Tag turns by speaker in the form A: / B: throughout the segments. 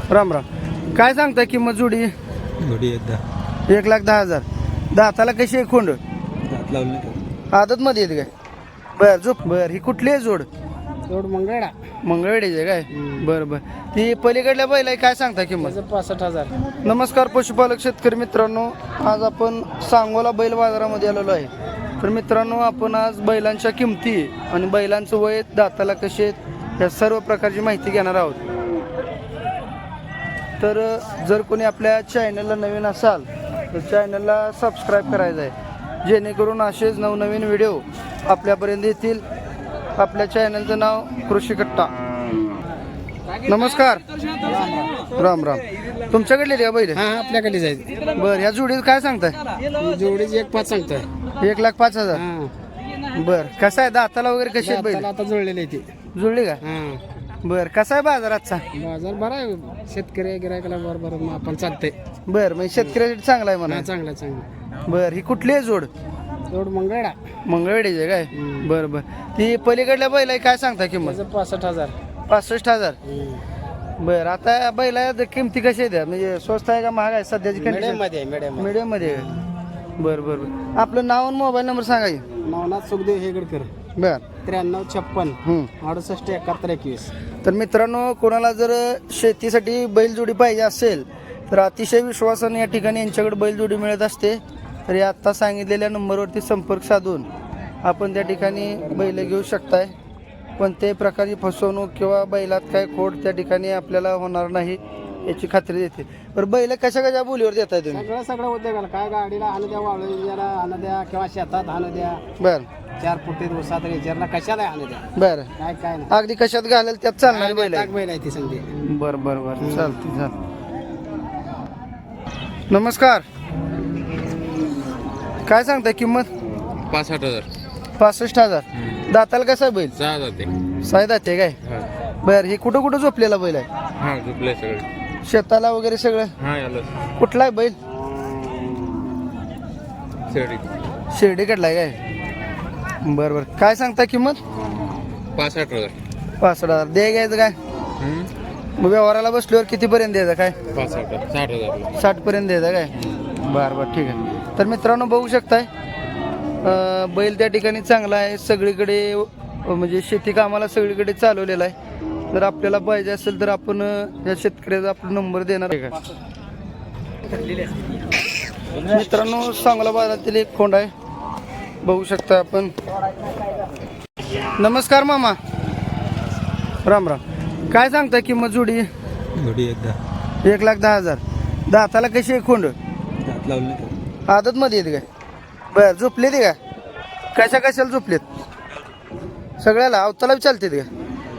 A: राम राम. काय सांगताय किंमत जोडी?
B: जोडी एकदा
A: 1,10,000. दाताला कशी आहे खोंड?
B: दात लावले
A: आदत मध्ये येते काय? बर झोप. बर ही कुठली आहे जोड?
C: जोड मंगळा
A: मंगळवेडीची आहे काय? बरं बरं. ती पलीकडल्या बैल आहे, काय सांगता किंमत?
C: 65,000.
A: नमस्कार पशुपालक शेतकरी मित्रांनो, आज आपण सांगोला बैल बाजारामध्ये आलेलो आहे. तर मित्रांनो, आपण आज बैलांच्या किमती आणि बैलांचं वय, दाताला कसे आहेत, या सर्व प्रकारची माहिती घेणार आहोत. तर जर कोणी आपल्या चॅनलला नवीन असाल तर चॅनलला सबस्क्राईब करायचं आहे, जेणेकरून असेच नवनवीन व्हिडिओ आपल्यापर्यंत येतील. आपल्या चॅनलचं नाव कृषी कट्टा. नमस्कार. राम राम. तुमच्याकडले द्या बैल?
C: हा आपल्याकडे जायचं.
A: बरं, ह्या जोडीत काय सांगताय?
C: जोडीची 1,5 सांगतोय.
A: 1,05,000. बरं, कसं आहे दाताला वगैरे कशी आहेत बैल?
C: आता जुळलेली आहे ती.
A: जुळली का? बरं, कसा आहे बाजार आजचा?
C: बाजार बरा आहे, शेतकरी गिरायकाला बरोबर आपण चालते.
A: बरं, म्हणजे शेतकऱ्यासाठी चांगला आहे म्हणा.
C: चांगला चांगला.
A: बरं, ही कुठली आहे जोड?
C: जोड मंगळा.
A: मंगळवेडीची आहे काय? बरं बरं. ती पलीकडल्या बैल आहे, काय सांगता किंमत?
C: 65,000.
A: 65,000. बरं, आता बैला किमती कशी आहे त्या, म्हणजे स्वस्त आहे का महाग आहे सध्याची कंडिशन? मीडियम मध्ये आहे. बरं बरं बरं. आपलं नाव आणि मोबाईल नंबर सांगा की.
C: नवनाथ सुखदेव हेगडकर.
A: बरं.
C: 9356 68 71 21.
A: तर मित्रांनो, कोणाला जर शेतीसाठी बैलजोडी पाहिजे असेल तर अतिशय विश्वासाने या ठिकाणी यांच्याकडे बैलजोडी मिळत असते. तर या आत्ता सांगितलेल्या नंबरवरती संपर्क साधून आपण त्या ठिकाणी बैल घेऊ शकताय. कोणत्याही प्रकारची फसवणूक किंवा बैलात काय खोट त्या ठिकाणी आपल्याला होणार नाही याची खात्री देते. बरं, बैल कशा कशा बोलीवर देताय तुम्ही?
C: सगळं उद्योगाला काय, गाडीला आणू द्या, वाळूला आणू द्या, किंवा शेतात आणू द्या,
A: बरं
C: 4 फुटी दिवसात रेचरला कशाला आणू द्या.
A: बरं,
C: काय काय नाही.
A: अगदी कशात घालेल त्यात चालणार बैल आहे.
C: बैल आहे ती संधी.
A: बरं बरं बरं, चालते चालते. नमस्कार. काय सांगताय किंमत?
B: 65,000.
A: 65,000. दाताला कसा आहे बैल?
B: 6 जाते.
A: साय दाते काय? बरं, हे कुठं कुठं झोपलेला बैल आहे?
B: हा झोपले सगळे.
A: शेताला वगैरे सगळं?
B: हा याला
A: कुठला आहे बैल?
B: शेडी.
A: शिर्डीकडला आहे काय? बरं बरं. काय सांगता किंमत?
B: 65,000.
A: 65,000. दे घ्यायचं काय? मग व्यवहाराला बसल्यावर कितीपर्यंत द्यायचं काय?
B: 65,000. 60,000.
A: 60 पर्यंत द्यायचं काय? बरं बरं, ठीक आहे. तर मित्रांनो, बघू शकताय बैल त्या ठिकाणी चांगला आहे, सगळीकडे म्हणजे शेती कामाला सगळीकडे चालवलेला आहे. जर आपल्याला पाहिजे असेल तर आपण या शेतकऱ्याचा आपला नंबर देणार आहे का? मित्रांनो, सांगोला बाजारातील एक खोंड आहे, बघू शकता आपण. नमस्कार मामा. राम राम. काय सांगताय किंमत जोडी?
B: जोडी एकदा
A: 1,10,000. दाताला कशी आहे खोंड?
B: दात लावले
A: आदत मध्ये येते काय? बरं, झोपले ते का? कशा कशाला झोपलेत? सगळ्याला अवताला चालते ते का?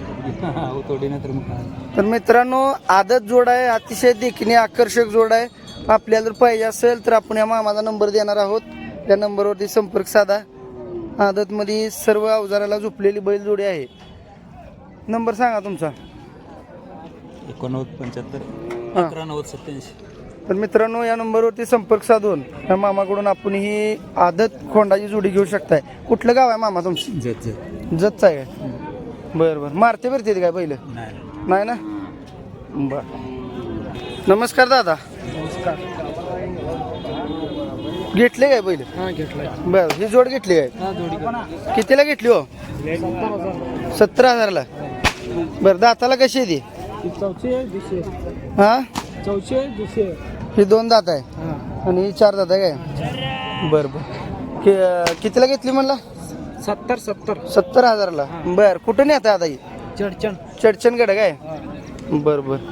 A: तर मित्रांनो, आदत जोड आहे, अतिशय देखीने आकर्षक जोड आहे. आपल्याला जर पाहिजे असेल तर आपण या मामाचा नंबर देणार आहोत, त्या नंबरवरती संपर्क साधा. आदतमध्ये सर्व अवजाराला झोपलेली बैलजोडी आहे. नंबर सांगा तुमचा.
B: 8975
A: हां.
B: 119087.
A: तर मित्रांनो, या नंबरवरती संपर्क साधून या मामाकडून आपण ही आदत खोंडाची जोडी घेऊ शकताय. कुठलं गाव आहे मामा तुमचं? जतचं आहे काय? बरं बरं. मारते भरते काय पहिलं? नाही ना? बरं. नमस्कार दादा. घेतले काय पहिलं?
C: हा घेतलाय.
A: बरं, ही जोड घेतली काय?
C: हा जोडी.
A: कितीला घेतली हो? 17,000ला. बरं, दाताला कशी आहे ती? हा, ही 2 दात आहे आणि ही 4 दात आहे काय? बरं बरं. कितीला घेतली म्हणला? 70,000ला. बरं, कुठून येत आता ही? चडचणगड काय? बरं बरं.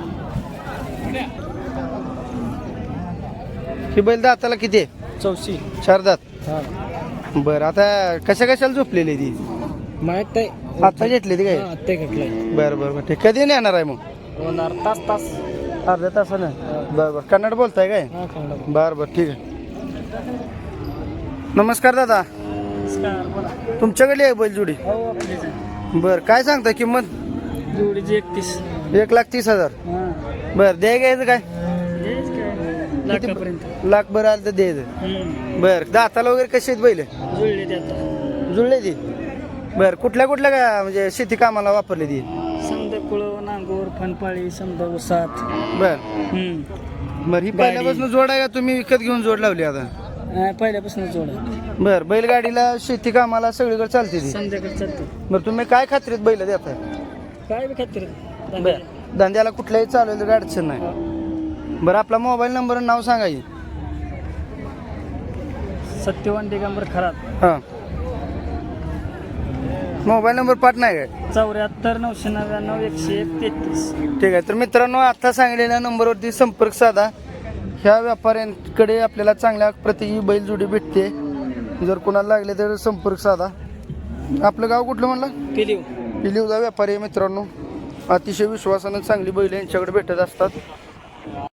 A: ही बैल दाताला किती आहे? 4 दात. बरं, आता कशा कशाला झोपलेली ती?
C: माहित आहे.
A: आता घेतली ती काय?
C: ते घेतलंय.
A: बरं बरं बरं. कधी येणार आहे मग?
C: तास.
A: अर्ध्या तासानं. बरं बरं. कन्नड बोलताय काय? बरं बरं, ठीक आहे. नमस्कार दादा. तुमच्याकडे आहे बैलजोडी? बरं, काय सांगता किंमत?
C: जोडीची 31.
A: 1,30,000. बरं, द्याय घ्यायचं काय? लाख बरं आलं तर द्यायचं. बरं, दाताला वगैरे कशी आहेत बैल? जुळले ती. बरं, कुठल्या कुठल्या काय म्हणजे शेती कामाला वापरली ती?
C: समजा कुळव नांगोर फनपाळी समजा उसात
A: बर बरं ही पहिल्यापासून जोड आहे का तुम्ही विकत घेऊन जोड लावली आता
C: पहिल्यापासून जोड आहे.
A: बर बैलगाडीला शेती कामाला सगळीकडे चालते ती
C: संध्याकाळी चालते
A: बरं तुम्ही काय खात्रीत बैल देताय
C: काय बी खात्री
A: बर धंद्याला कुठल्याही चालू तर अडचण नाही बरं आपला मोबाईल नंबर आणि नाव सांगायचे
C: सत्यवान दिगंबर खरात
A: हां मोबाईल नंबर पाठ नाही काय
C: 74 999 101 33.
A: ठीक आहे तर मित्रांनो आता सांगलेल्या नंबरवरती संपर्क साधा ह्या व्यापाऱ्यांकडे आपल्याला चांगल्या प्रतीची बैलजोडी भेटते जर कोणाला लागले तर संपर्क साधा आपलं गाव कुठलं म्हणलं
C: पिलीव
A: पिलीवचा व्यापारी आहे मित्रांनो अतिशय विश्वासानं चांगली बैल यांच्याकडे भेटत असतात